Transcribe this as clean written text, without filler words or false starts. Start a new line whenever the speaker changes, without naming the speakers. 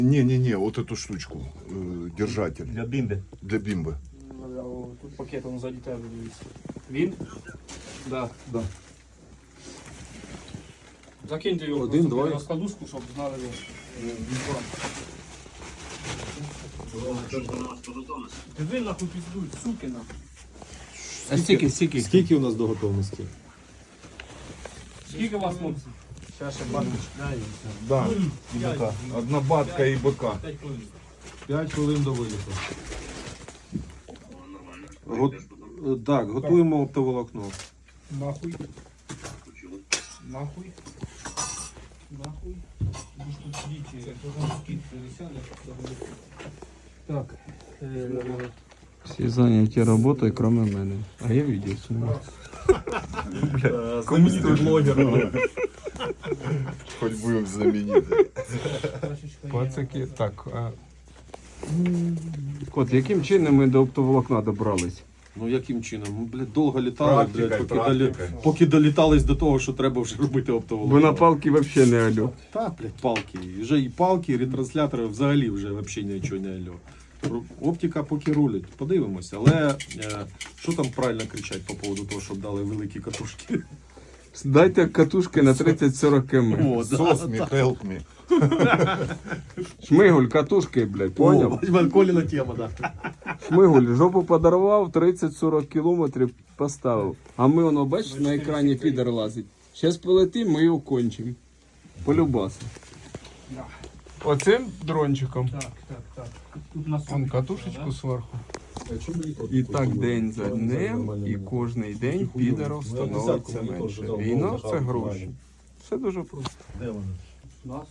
Не-не-не, вот эту штучку, держатель
Для бімби.
для бимбы.
Тут пакет, он сзади тебе дивиться. Він? Да.
Да.
Закиньте його
Один,
просто
два.
на складушку, щоб знали його. Диви нахуй піздують, суки нахуй.
А стільки?
Скільки у нас до готовності?
Скільки у вас, хлопці?
Зараз ще баночку.
Да, и быка. Одна батка и быка.
5 хвилин до виліту. Так, готуємо оптоволокно.
Нахуй. Нахуй. Нахуй. Будеш тут сидіти, потім скид пересяде. Так.
Всі зайняті роботою, крім мене. А я відео знімаю.
Знаменитий блогер.
Хоть будем знаменитые.
Пацаки, так. Кот, яким чином ми до оптоволокна добрались?
Ну яким чином? Ми, блядь, довго літали, блядь,
Практикой.
поки долітались до того, що треба вже робити
Бо
оптоволокно.
на палки взагалі не алю.
Та, блядь, палки. І вже і палки, і ретранслятори взагалі вже нічого не алло. Оптика поки рулить, подивимося. Але що там правильно кричать по поводу того, щоб дали великі катушки?
Дайте катушки на 30-40 км.
О, да.
Сос me, help me.
Шмигуль, катушки, блядь, поняв?
О, Коліна тема, да.
Шмигуль, жопу подарував, 30-40 кілометрів поставив. А ми, воно, бачиш, на екрані підер лазить. Зараз полетим, ми його кончимо. Полюбаси.
Да.
Оцим дрончиком.
Так. Тут на
Вон катушечку зверху. І так день за днем, і кожний день підерів становиться менше. Війна – це гроші. Все дуже просто.
Нас.